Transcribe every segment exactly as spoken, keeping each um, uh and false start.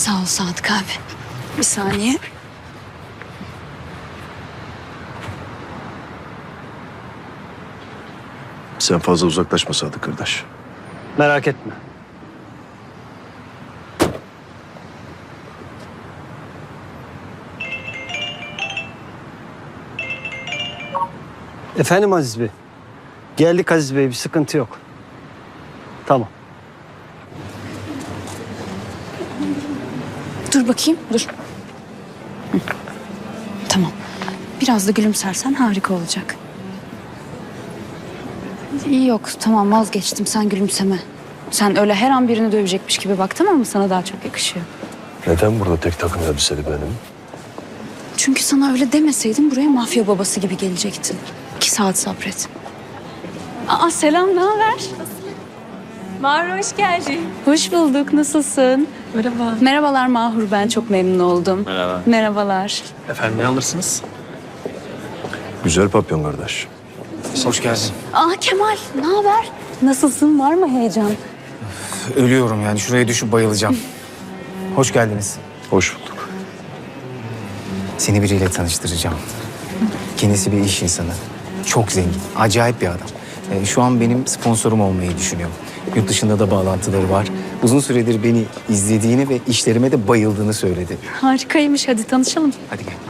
Sağ ol Sadık abi. Bir saniye. Sen fazla uzaklaşma Sadık kardeş. Merak etme. Efendim Aziz Bey. Geldik Aziz Bey, bir sıkıntı yok. Tamam. Dur bakayım, dur. Hı. Tamam. Biraz da gülümsersen harika olacak. İyi yok, tamam vazgeçtim. Sen gülümseme. Sen öyle her an birini dövecekmiş gibi bak, tamam mı? Sana daha çok yakışıyor. Neden burada tek takım elbiseli benim? Çünkü sana öyle demeseydim buraya mafya babası gibi gelecektin. İki saat sabret. Aa selam, ne haber? Mahur hoş geldin. Hoş bulduk, nasılsın? Merhaba. Merhabalar Mahur, ben çok memnun oldum. Merhaba. Merhabalar. Efendim ne alırsınız? Güzel papyon kardeş. Hoş geldin. Aa Kemal, ne haber? Nasılsın, var mı heyecan? Ölüyorum yani. Şuraya düşüp bayılacağım. Hoş geldiniz. Hoş bulduk. Seni biriyle tanıştıracağım. Kendisi bir iş insanı. Çok zengin. Acayip bir adam. Ee, şu an benim sponsorum olmayı düşünüyor. Yurt dışında da bağlantıları var. Uzun süredir beni izlediğini ve işlerime de bayıldığını söyledi. Harikaymış, hadi tanışalım. Hadi gel.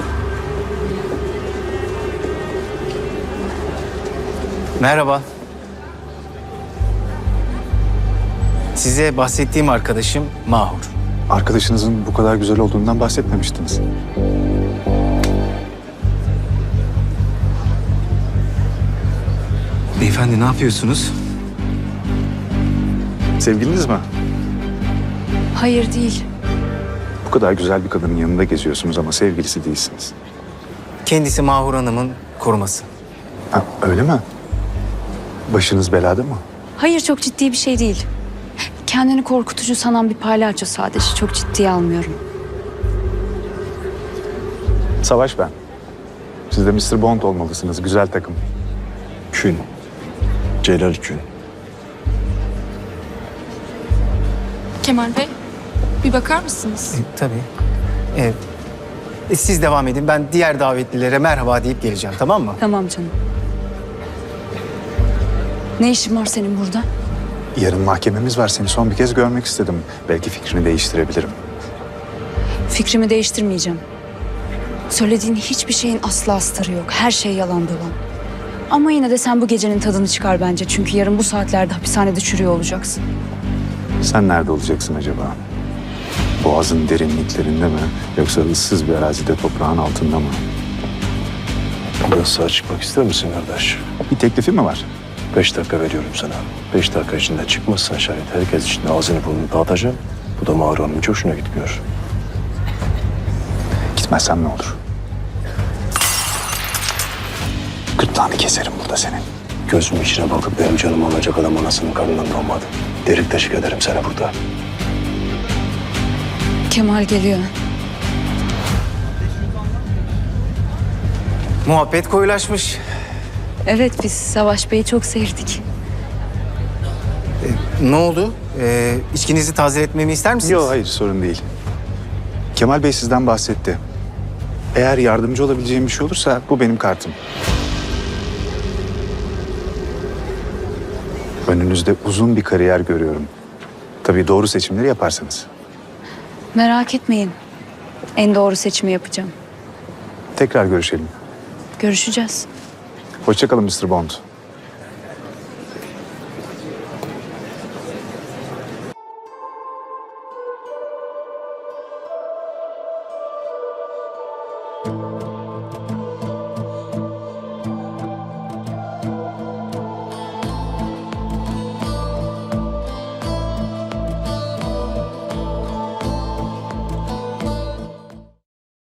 Merhaba. Size bahsettiğim arkadaşım Mahur. Arkadaşınızın bu kadar güzel olduğundan bahsetmemiştiniz. Beyefendi ne yapıyorsunuz? Sevgiliniz mi? Hayır değil. Bu kadar güzel bir kadının yanında geziyorsunuz ama sevgilisi değilsiniz. Kendisi Mahur Hanım'ın koruması. Ha, öyle mi? Başınız belada mı? Hayır, çok ciddi bir şey değil. Kendini korkutucu sanan bir palyaço sadece. Çok ciddiye almıyorum. Savaş ben. Siz de mister Bond olmalısınız. Güzel takım. Kün. Celal Kün. Kemal Bey, bir bakar mısınız? E, tabii. Evet. E, siz devam edin. Ben diğer davetlilere merhaba deyip geleceğim. Tamam mı? Tamam canım. Ne işin var senin burada? Yarın mahkememiz var. Seni son bir kez görmek istedim. Belki fikrini değiştirebilirim. Fikrimi değiştirmeyeceğim. Söylediğin hiçbir şeyin asla astarı yok. Her şey yalan dolan. Ama yine de sen bu gecenin tadını çıkar bence. Çünkü yarın bu saatlerde hapishanede çürüyor olacaksın. Sen nerede olacaksın acaba? Boğazın derinliklerinde mi? Yoksa ıssız bir arazide toprağın altında mı? Biraz sağa çıkmak ister misin kardeş? Bir teklifi mi var? Beş dakika veriyorum sana. Beş dakika içinde çıkmazsan şayet herkes içinde ağzını burnunu dağıtacağım. Bu da Mahur Hanım'ın hiç hoşuna gitmiyor. Gitmezsem ne olur? Gırtlağını keserim burada senin. Gözümün içine bakıp benim canımı alacak adam anasının karnından doğmadı. Derik deşik ederim seni burada. Kemal geliyor. Muhabbet koyulaşmış. Evet, biz Savaş Bey'i çok sevdik. Ne oldu? Ee, içkinizi tazeletmemi ister misiniz? Yok hayır sorun değil. Kemal Bey sizden bahsetti. Eğer yardımcı olabileceğim bir şey olursa bu benim kartım. Önünüzde uzun bir kariyer görüyorum. Tabii doğru seçimleri yaparsanız. Merak etmeyin. En doğru seçimi yapacağım. Tekrar görüşelim. Görüşeceğiz. Hoşça kalın mister Bond.